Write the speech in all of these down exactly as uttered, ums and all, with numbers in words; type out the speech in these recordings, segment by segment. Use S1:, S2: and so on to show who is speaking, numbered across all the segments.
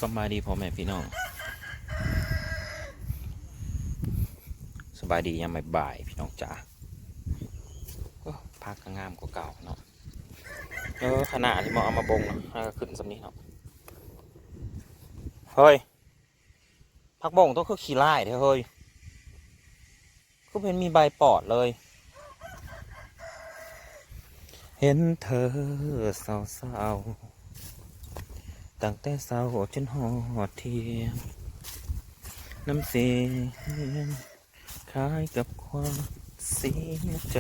S1: สบายดีพ่อแม่พี่น้องสบายดียังไม่บ่ายพี่น้องจ๋าพักก็งามกว่าเก่าเนาะเออขนาดที่มอเอามาบงเนาะก็ขึ้นสำนี้เนาะเฮ้ยพักบงต้องคือขี้ไล่เถอะเฮ้ยก็เป็นมีใบปอดเลยเห็นเธอเศร้าๆตั้งแต่เศร้าจนหอดเที่ยงน้ำเสียงคล้ายกับความเสียใจ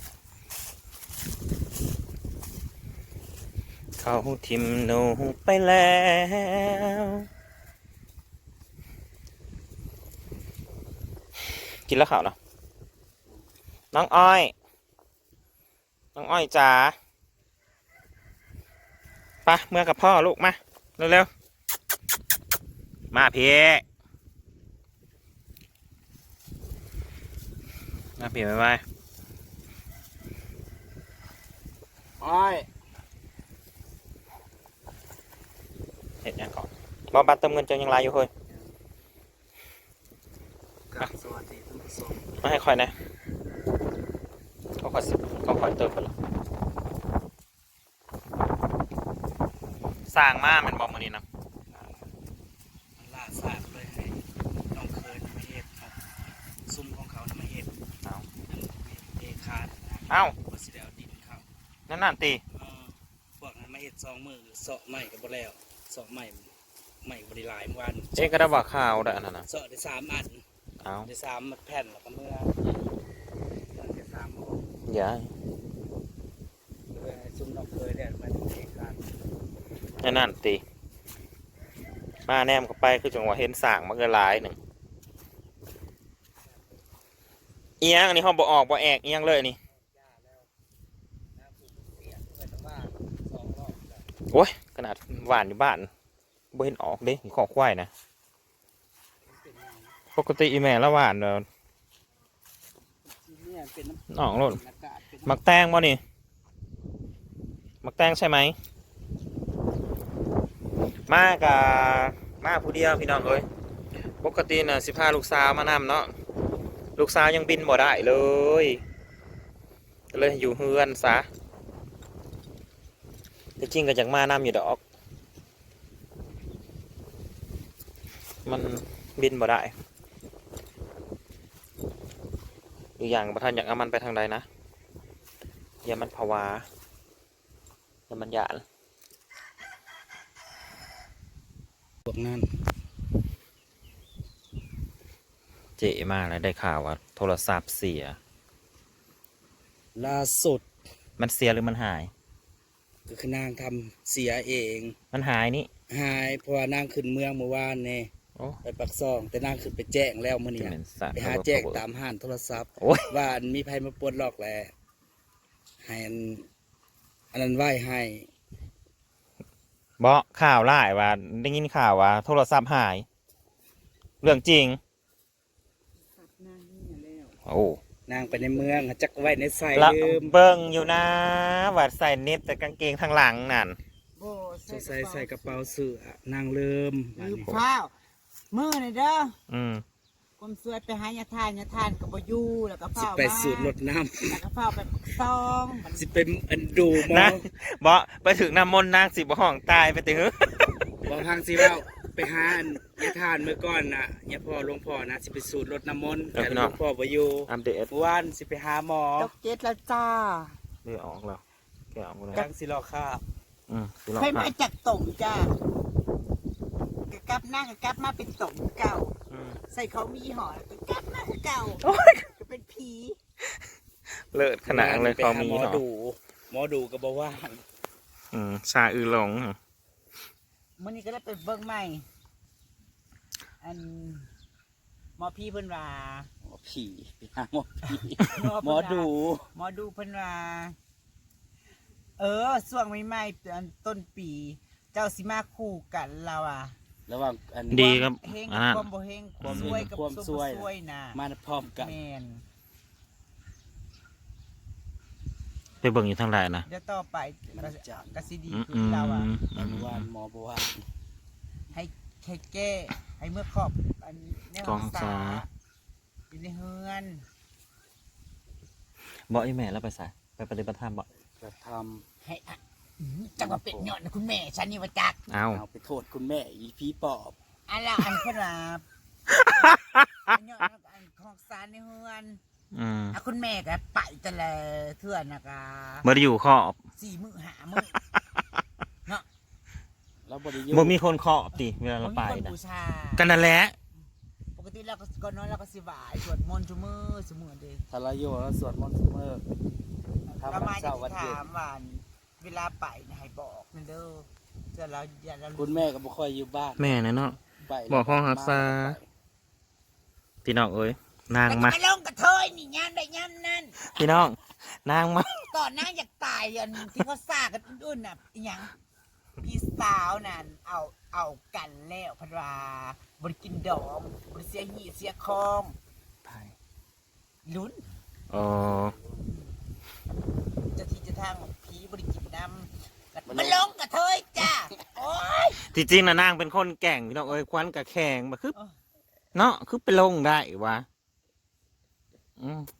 S1: เขาทิมหนูไปแล้วกินแล้วข่าวนะน้องอ้อยน้องอ้อยจ๋าไปเมื่อกับพ่อลูกมาเร็วๆมาพี่มาพี่ไปไป
S2: อ้อย
S1: เห็ดยังก่อนบอบัตรเติมเงินเจอยังไรอยู่เฮ้ย
S2: กับสวัสดีท่านผู้ชม
S1: มาให้คอยนะเขาคอยเขาคอยเติมไปหรอสร้างมามันบอกมานี่นะ
S2: ล่าสาดเลยให้น้องเคยมาเห็ดครับซุ้มของเขามาเห็ดเอาเอคาด
S1: เอ้า
S2: ก็สิเดียวดินเขา
S1: นั่นนั่นตี
S2: พวกนั้นมาเห็ดสองมือเสาะใหม่กับบ่แล้วเสาะใหม่ใหม่บริลายเมื่อวาน
S1: เจ๊ก็ได้บอกข่าวได้อันนั้นนะ
S2: เสาะได้สามอัน
S1: เอา
S2: ได้สามแผ่นแล้วก็เมื่อได้สาม
S1: อย่า
S2: ซุ้มน้องเคยได้มาเอคาด
S1: นั่นนั่นตีมาแนมเข้าไปคือจังหวะเห็นสางมันก็หลายหนึ่งเอียงอันนี้เขาบอกออกบอกแอกเอียงเลยนี่โอ้ยขนาดหวานอยู่บ้านบ่เห็นออกเด้ขอควายนะปกติอีแม่ละหวานเนาะน้องโลดมักแตงบ่นี่มักแตงใช่ไหมมากะมาผู้เดียวพี่น้องเอ้ยปกติน่ะสิพาลูกสาวมานำเนาะลูกสาวยังบินบ่ได้เลยก็เลยอยู่เฮือนซะแต่จริงก็อยากมานำอยู่ดอกมันบินบ่ได้อยู่อย่างประธานอยากเอามันไปทางใดนะอย่ามันภาวะอย่ามันหยาด
S2: พวกนั้น
S1: เจ๋มากเลยได้ข่าวว่าโทรศัพท์เสีย
S2: ล่าสุด
S1: มันเสียหรือมันหาย
S2: ก็คือนางทำเสียเอง
S1: มันหายนี่
S2: หายเพราะว่านางขึ้นเมืองเมื่อวานเนี่ยไปปักซองแต่นางขึ้นไปแจ้งแล้วมื่อนี้ไปหาแจ้งตามห้านโทรศัพท์ว่ามีภัยมาปวดหลอกแหละให้อันนั้นไหวให้
S1: บอกข่าวไล่ว่าได้ยินข่าวว่าโทรศัพท์หายเรื่องจริงโอ้
S2: นางไปในเมืองจักไว้ในใส่
S1: ลืมเบิ้งอยู่นะว่าใส่เน็ตแต่กางเกงทางหลังนั่น
S2: ใส่ใส่กระเป๋าเสื้อนางลืม
S3: ลืมข้าวมือนี่เด้อ
S1: อืม
S3: คนสวยไปหายาทานยาทานกับบอยู่แล้วก็เฝ้า
S2: ไปสูดรดน้
S3: ำแล้วก็เฝ้าไปซอง
S2: สิเป็นอันดูมอง
S1: บอกไปถึงน้ำมนต์นางสิบ่ห้องตายไปถึง
S2: บอกทางสิว่าไปหายาทานเมื่อก่อนน่ะยาพ่อหลวงพ่อนะสิไปสูดรดน้ำมนต์แต่หลวงพ่อบ่อยู่
S1: อัปเดต
S2: วันสิไปหาหมอ
S3: ตกเจ็ดแล้วจ้า
S1: เลือออกแล้วแกออกแล้ว
S2: ทางสิรอข้า
S1: อืม
S3: ให้มาจากต่งจ้ากับนั่งกับมาเป็นต่งเก่าใส่เขามีห่อกับมาเก่าจะเป็นผี
S1: เลิศขนาดเลยเขามี
S2: หมอดูหมอดูก็บอกว่า
S1: อืมชาอือหลง
S3: มื่อนี้ก็ได้ไปเบิ้งใหม่อันหมอพี่เพิ่นว่า
S2: หมอผีหมอผีหมอดู
S3: หมอดูเพิ่นว่าเออช่วงใหม่ๆต้นปีเจ้าสิมาคู่กันเราอ่ะ
S2: ระหว่างอัน
S1: ดีครับ
S3: เฮงความบ่เฮงความซวยกับความซวยนะ
S2: มาพร้อมกัน
S3: แมน
S1: ไปเบิ่งอยู่ทางใดนะ
S3: เดี๋ยวต่อไปกระสีดีคือเราอ่ะ
S2: เมื่อวานหมอบอกว่า
S3: ให้แค่แก้ไอ้เมื่อครอบอันใน
S1: กองสา
S3: อยู่ในเฮือน
S1: บอกไอ้แม่แล้วไปใส่ไปปฏิบัติธรรมบอก
S2: จะท
S3: ให้อ่ะอื้อจังว่าเป็ดยอดนะคุณแม่ฉันนี่ว่าจัก
S1: เอา
S2: ำเอาไปโทษคุณแม่อีพีปอบ
S3: อันละอันขนาบอันยอดอันของสารในเฮือน
S1: อืม
S3: อ่ะคุณแม่ก็ไปแต่ละเทื่อนนะคะ
S1: เมื่อได้อยู่ขอบ
S3: สี่มื้อหามื้อ
S2: แล้วบริยุ
S1: บ่มีคนขอบติเวลาเราไป
S3: บ่มีคน
S1: นะ
S3: บูชา
S1: กันนั่นแหละ
S3: ปกติเราก็ก่อนนอนเราก็สิไหวายสวดมนต์ชุมือสมือเด้
S2: ทารโยแล้วสวดมนต์เสมอทำ
S3: ประ
S2: วั
S3: มาน ณ
S2: เสาร์วัน
S3: จะ
S2: เย็น
S3: ถามว่าเวลาไปนะให้บอกนั่นเด้อเจะเราอย่าเรา
S2: คุณแม่ก็บ่ค่อยอยู่บ้าน
S1: แม่นะเนาะ
S2: ไป
S1: บอกห้องฮักษา พี่น้องเอ้ยนาง
S3: แต่
S1: มา
S3: มาลงกระเทยนี่ยามใดยามนั้น
S1: พี่น้องนางมา
S3: ก่อนนางอยากตายอันที่เขาซากันอุ่นๆน่ะอีหยังพี่สาวนั่นเอาเอากันแล้วพันว่าบริกินดอมบริเสียหีเสียคอมลุ้น
S1: อ๋อ
S3: เจะที่เจะทางของผีบริกินน้ำมันลงกระเทยจ้าโอ้ย
S1: ที่จริงนะนางเป็นคนแก่งพี่น้องเอ้ยควันกับแข็งมาคือ
S3: เออ
S1: เนาะคือไปลงได้วะอืม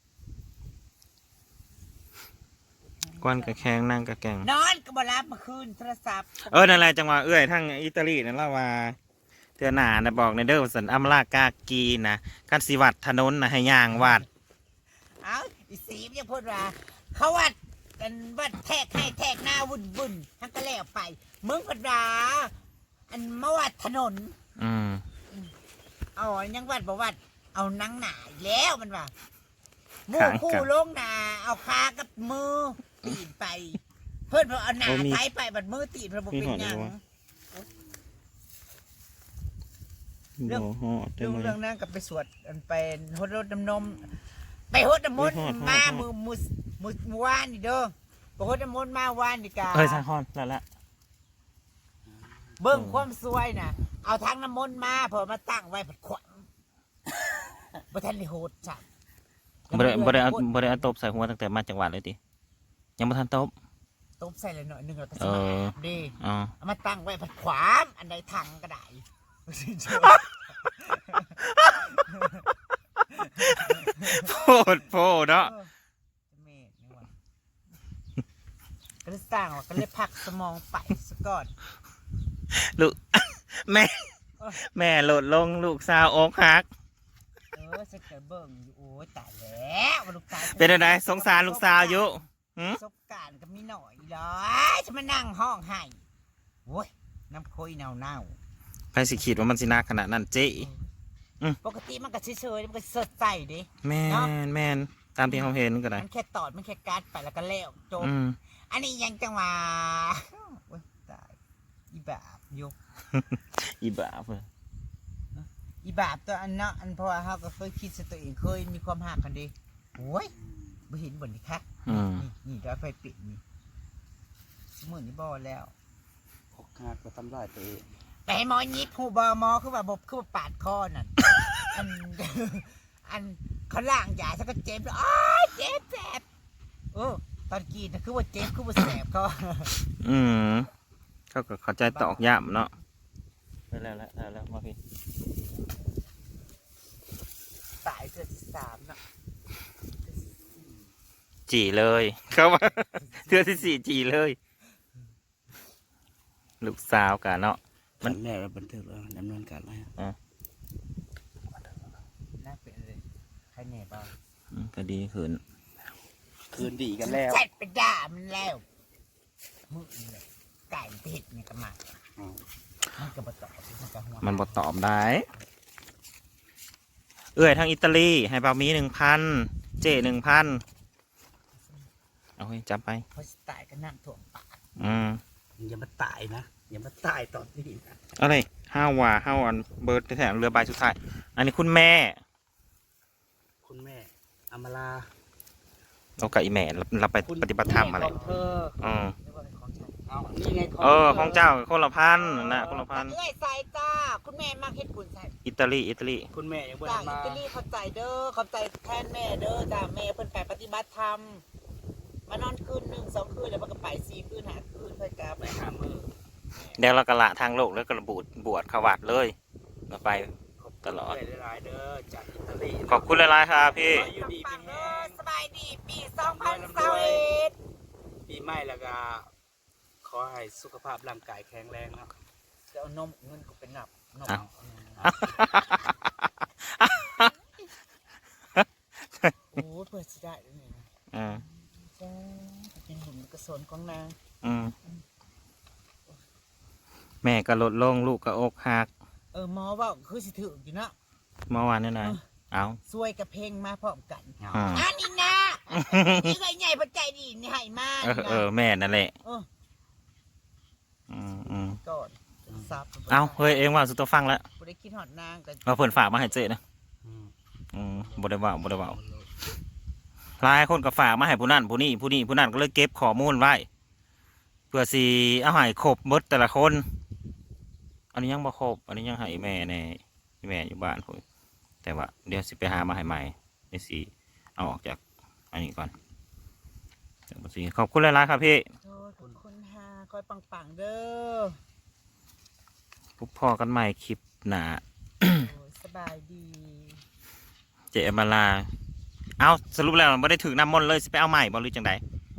S1: ควันกับแข็งนางกับแก่ง
S3: นอนก็บรับเมื่อคืนโทรศัพท์
S1: เออนั่นแหละจังหวะเอ้ยทั้งอิตาลีนั่นละว่าเทือหนานะบอกในเด้อสันอัมรากากีนะกันสิวัดถนนนะให้ย่างวัด
S3: เอ้าอีสีมยังพูดว่าเขาวัดกันวัดแทกให้แทกหน้าวุ่นวุ่นทั้งก็แล้วไปมึงพัดราอันมาวัดถนน
S1: อืม
S3: เอายังวัดบอกวัดเอานังหนาอีกแล้วมันว่าหมู่
S1: ขาง
S3: คู่
S1: กัน
S3: ลงหนาเอาขากับมือตีนไป เพื่อนเพอเอาหนา
S1: โอ้มี
S3: ไทยไปบัดมือตีนเพอบ่เป็นหยัง เรื่อง
S1: บ่ฮอดได้
S3: เรื่อง
S1: ไหม
S3: เรื่องนั้นกับไปสวดอันไปหดรถน้ำนมไปหดน้ำมนต์
S1: ไปฮอด
S3: มา
S1: ฮอด
S3: มือมือมือมือวานนี่เด้อไปหดน้ำมนต์มาวานนี่กา
S1: เอ้ยสาคอนแล้วละ
S3: เบิ่งความสวยน่ะ เอาทางน้ำมนต์มาเพอมาตั้งไว้ผัดขวัญบ่ทันได้โหดจ้ะ
S1: บ่ได้บ่ได้เอาบ่ได้เอาตบใส่หัวตั้งแต่มาจังหวัดเลยติยังบ่ทันตบ
S3: ตบใส่ละหน่อยหนึงแล้วก็
S1: เอ
S3: สิ
S1: อ
S3: มาดี
S1: อ๋อ
S3: เอามาตั้งไว้ผัดขวามอันใดทางก็ได้
S1: โพดโพดเนาะ
S3: เออจะเมธนี่หว่าก็เลยสร้างว่าก็เลยพักสมองไปซะก่อน
S1: ลูก แม่ แม่โหลดลงลูกสาวอกหัก
S3: เออฉันก็เบิ่งอยู่โอ้ยตายแล้วว่าลูกสาวฉั
S1: เป็นอะไรสงสารลูกสาวอยู่หืม
S3: ประสบการณ์ก็มีหน่อยเลยฉันมานั่งห้องให้โอ้ยน้ำโคยเน่าเน่า
S1: ใครสิคิดว่ามันสินาขนาดนั้นเจ๊ อืม
S3: ปกติมันก็เฉยๆมันก็สดใสดิ
S1: แม่นแม่นตามที่เขาเห็นก็ได้
S3: มันแค่ตอดมันแค่การ์ดไปแล้วก็แล้วจบ
S1: อืม
S3: อันนี้ยังจังหวะโอ้ยตายอีบาบอยก
S1: อีบ้าเพิ่น
S3: อีบาบตัวอันเนาะอันเพราะว่าเขาก็เคยคิดซะตัวเองเคยมีความหักกันดิโอ้ยไม่เห็นบ่นนี่คะ
S1: อืม
S3: นี่นี่ดอยไฟปิดนี่สมุนนี่บ่แล้ว
S2: อกหักก็ทำลายตัวเอง
S3: แต่ให้หมอยิบหูบอหมอคือว่าบบคือว่าปาดคอนั่น อัน อันเขาล่างยาฉันก็เจ็บเลยอ้ายเจ็บแสบเออตอนกินนะคือว่าเจ็บคือว่าแสบเขา
S1: อืมเขาก็เข้าใจตอกย้ำเนาะได้แล้วแล้วแล้วแล้วมาพี่
S3: ตายเทือที่สามเนาะ
S1: จีเลยเขาว่า เทือที่สี่จีเลย ลูกสาวกันเนาะ
S2: มันแม่เราบันทึกแล้วดำเนินการแล้ว
S3: น่าเป็นเลยใครแหน่บ้าง
S1: อืมก็ดีขึ้น
S2: คืนดีกันแล้ว
S3: เสร็จไปด่ามันแล้วมือนี่แหละไก่เผ็ดเนี่ยก็มา
S2: อ๋อ
S3: มันก็บตอบมันก็หัว
S1: มันบอตอบได้ เอื้อยทางอิตาลีให้เปามีหนึ่งพันเจหนึ่งพันเอาให้จับไป
S3: เพราะสไตล์ก็นั่งถ่วงปาก
S1: อืม
S2: อย่ามาตายนะอย่ามาตายตอนนี้นะ
S1: อะไรห้าว่าห้าวันเบิร์ดแถมเรือใบสุดท้าย อันนี้คุณแม่
S2: คุณแม่อำมาลา
S1: เรากับอีแม่เราเราไปปฏิบัติธรรมอะไร
S2: แของเธอ
S1: อืม
S3: เรียกว่าเป็นของฉัน
S2: เอานี่ไงของ
S1: เออของเจ้าคนละพันนะคนละพัน
S3: เอ้ยใส่จ้า คุณแม่มากเฮ็ดบุญใส่
S1: อิตาลีอิตาลี
S2: คุณแม่ยังบ่
S3: จ้า
S2: ได้
S3: อิ
S2: มา
S3: ตาลีเข้าใจเด้อเข้าใจแทนแม่เด้อจ้าแม่เพิ่นไปปฏิบัติธรรมมานอนคืนหนึ่งสองคืนแล้วมันก็ไปสี่คืนหาคืนเพิ่นกลับ
S2: ไปหามือ
S3: แม่
S1: เดี๋ยวเรากระละทางโลกแล้วก็ระบูดบวชขวัดเลยเราไปตลอด
S2: หลายๆเด้อจากอิตาลี
S1: ขอบคุณหลายๆครับพี่
S2: อยู่ดีเป็นแห้ง
S3: สบายดีปีสองพันสิบเอ็ด
S2: ปีใหม่แล้วก็ขอให้สุขภาพร่างกายแข็งแรงนะ
S3: จะเอานมเงินก็เป็นหนับนม
S1: อ้าว
S3: โอ้เพื่อสิได้ด้วยนี่
S1: อืม
S3: จ้าเป็นหุ่นกระสนของนาง
S1: อืมแม่ก็ลดลงลูกก็อกหัก
S3: เออหมอว่าคือสิถืออยู่เนาะ
S1: เมื่อวานนี่นะเอา
S3: ซวยกับเพลงมาพร้อมกัน
S1: อืม
S3: อันนี้นะนี่เคยใหญ่ปัจจัยดีนี่ให้มา
S1: เออเออแม่นั่นแหละ
S3: เออ
S1: อืมอืม
S3: ก่อนซับ
S1: เอาเฮ้ยเองว่าสุดตัวฟังแล้ว
S3: บ่ได้คิดหอดนางกัน
S1: มาเพิ่นฝากมาให้เจ๊นะ
S2: อืม
S1: อืมบ่ได้เว่าบ่ได้เว่าหลายคนก็ฝากมาให้ผู้นั้นผู้นี้ผู้นี้ผู้นั้นก็เลยเก็บข้อมูลไว้ เพื่อสิเอาให้ครบเบิดแต่ละคน อันนี้ยังบ่ครบอันนี้ยังให้แม่ในแม่อยู่บ้านพุ่นแต่ว่าเดี๋ยวสิไปหามาให้ใหม่เดี๋ยวสิเอาออกจากอันนี้ก่อนเดี๋ยวสิขอบคุณหลายๆครับพี่
S3: โทษขอบคุณฮาคอยปังๆเด้อ
S1: พบพอกันใหม่คลิปหน้า
S3: โอ้ยสบายดี
S1: เจอมาลา เอาสรุปแล้วไม่ได้ถือน้ำมนต์เลยสิไปเอาใหม่บอลหรือจังใด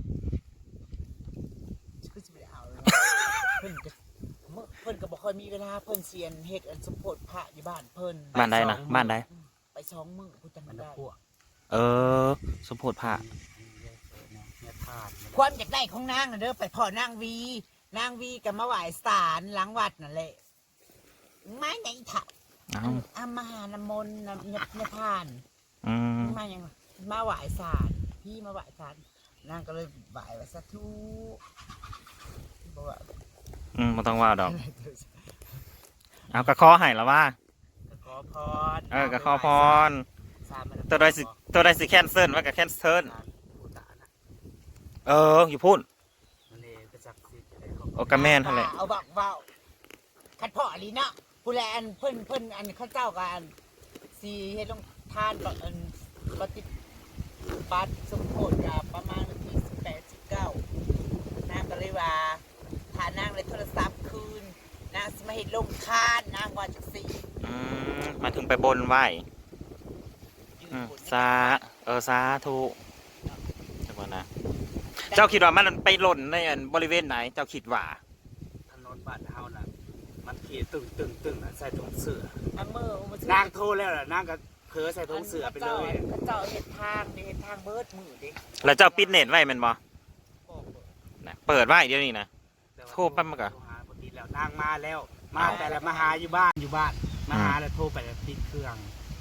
S3: ก็จะไปเอาเลยเพิ่นก็เมื่อเพิ่นก็บ่ค่อยมีเวลาเพิ่นเซียนเฮ็ดอันสมโพธิพระอยู่บ้านเพิ่น
S1: บ้านใดนะบ้านใด
S3: ไปสองมื้อกูจำ
S2: มัน
S3: ไม่
S2: จะ
S3: ได้
S2: พวก
S1: เออ สมโพธิพระ
S2: เนี่ยธาตุ
S3: ความอยากได้ของนางน่ะเด้อไปพ่อนางวี นางวีก็มาไหว้ศาลหลังวัดนั่นแหละไม้ไหนถะ
S1: เอา
S3: อามาหาน้ำมนต์น้ำเนี่ยเนี่ยทาน
S1: อืม
S3: มาอย่างมาไหว้ศาลพี่มาไหว้ศาลนางก็เลยไหว้ว่าสาธุบอกว่า
S1: อืมไม่ต้องว่าดอก
S3: อะไรเด้อ
S1: เอากระคอให้แล้วว่า
S2: ขอพร
S1: เออกระคอพร
S2: สามมัน
S1: ตัวใดสิตัวใดสิแคนเซิลว่ากับแคนเซิล
S2: ผู้ตานะ
S1: เออ อยู่พูด
S2: มันเองก็จักสิจะได้ขอ
S1: โอกระแม่นเท่าไหร่
S3: เอาบักเว้าคัดพ่อลีเนาะผู้แลอันเพิ่นเพิ่นอันเข้าเจ้ากันสีเฮ็ดลงทานบักอันปฏิบัติสมโภชกับประมาณวันที่สิบแปดสิบเก้านางก็เลยว่าถ้านางเลยโทรศัพท์คืนนางสมาเฮ็ดลงทานนางว่าจังซี่
S1: อืมมาถึงไปบนไหว
S3: ยืน
S1: อืม
S3: บน
S1: สาเออสาธุจังหวะนะ เจ้าคิดว่ามันไปหล่นในอันบริเวณไหน เจ้าคิดว่า
S2: ถนนบ้านเฮาน่ะมันขี่ตึงตึงตึงน่ะใส่ถุงเสื้อ
S3: อันเมื่อเอาม
S2: นางโทรแล้วล่ะนางก็เผลอใส่ถุงเสื้อไปเลย
S3: เขาเจ้าเฮ็ดทางนี่เฮ็ดทางเบิดมือดิ
S1: แล้วเจ้าปิดเน็ตไว้แมันบ่
S3: บอกเบิด
S1: นะเปิดไว้เดี๋ยวนี้นะ โทรไปมันก็
S2: โทรหาปกติแล้วนางมาแล้ว มาแต่ละมาหาอยู่บ้านอยู่บ้านมาหาแล้วโทรไปแล้วติดเครื่อง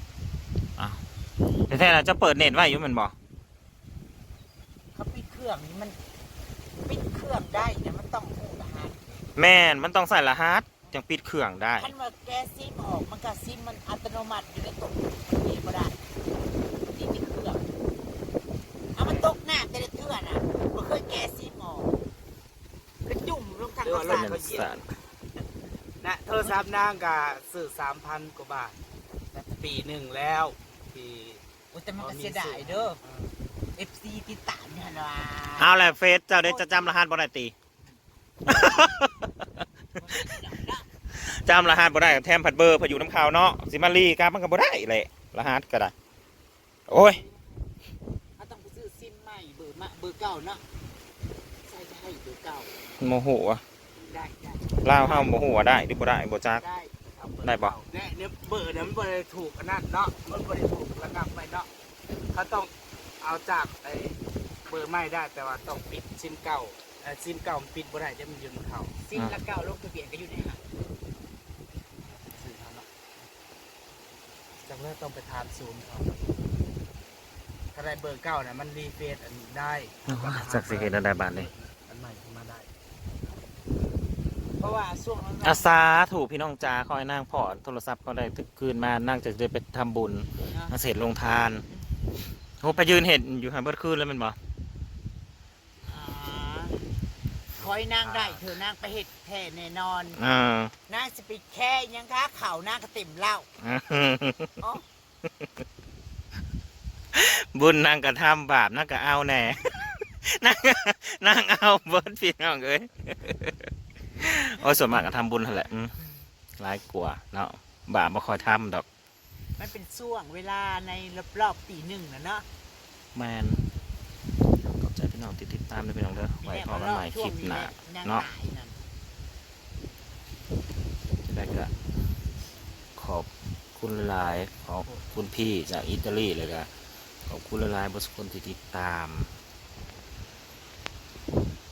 S1: แต่แท้ๆแล้วเจ้าเปิดเน็ตไว้อยู่แมันบ่
S3: เขาปิดเครื่องนี่มันปิดเครื่องได้เนี่ยมันต้องหูรหัส
S1: แม่นมันต้องใส่รหัสจังปิดเครื่องได้
S3: คันว่าแกซิมออกมันก็ซิมมันอัตโนมัติอยู่ในตัวมันเองบ่ได้มันติดที่เครื่องเอามันตกน้ำแต่ละเทื่อน่ะบ่เคยแกซิมออกก็จุ่มลงทางกระสาน
S1: เป็นสาร
S2: นะโทรศัพท์นางก็ซื้อสามพันกว่าบาทปีหนึ่งแล้วปี
S3: โอ้แต่มันก็เสียดายเด้อ เอฟ ซี ติดตามเนี่ยนะ
S1: เอาแหละเฟซเจ้าได้จะจำรหัสบ่ได้ตี จำรหัสบ่ได้แทมผัดเบอร์พออยู่น้ำขาวเนาะสิมารีกับมันก็บ่ได้แหละรหัสก็ได้ โอ้ย
S3: เขาต้องไปซื้อซิมใหม่เบอร์มาเบอร์เก่าเนาะใช่ใช่เบอร์เก่า
S1: โมโหอะ
S3: ได้ได้
S1: ลาวเฮาโมโหอะได้หรือบ่ได้บ่จัก
S3: ได้
S2: เอาเบอร์
S1: ได้ปะ
S2: เนี่ยเนี่ยเบอร์เนี่ยมันบริถูกอันนั้นเนาะมันบริถูกระงับไปเนาะเขาต้องเอาจากไอ้เบอร์ไม่ได้แต่ว่าต้องปิดซิมเก่าเอ่อซิมเก่ามันปิดบ่ได้จะมันอยืนเขา
S3: ซิมละเก่าลงทะเบียนก็อยู่ในหัน
S2: ซื้อเขาเนาะจากนั้นต้องไปทานซูมเขาถ้าได้เบอร์เก่าเนี่ยมันรีเฟซอันนี้ได้
S1: จักสิเฮ็ดได้บาดนี้
S2: อันใหม่ขึ้นมาได้
S3: เพราะว่าช่วงนั้น
S1: อาสาถูกพี่น้องจ๋าคอยนั่งพอโทรศัพท์ก็ได้คืนมานั่งจะได้ไปทำบุญมาเสร็จลงทานโหไปยืนเห็นอยู่หาเบิดคืนแล้วแมันบ่
S3: คอยนางได้เธอนางไปเห็ดแท่แน่นอน
S1: อ่าน
S3: างสปิดแค่ยังคะเข่านางก็เต็มเหล้าอ๋อ
S1: บุญนั่งกระทำบาปนั่งก็เอาแน่ นั่งนั่งเอาเบิดพี่น้องเอ้ยโโอ้ยส่วนมากก็ทำบุญนั่นแหละอืมหลายกว่าเนาะบาปบ่คอยทำดอก
S3: มันเป็นช่วงเวลาในรอบๆปีหนึ่งนะเนาะ
S1: แมนขอบใจพี่น้องที่ติดตามด้วยพี่น้องเด้อไว้พอกันใหม่คลิปหน้าเนาะจะได้ก็ขอบคุณหลายขอบคุณพี่จากอิตาลีเลยก็ขอบคุณหลายๆบริษัทคนที่ติดตาม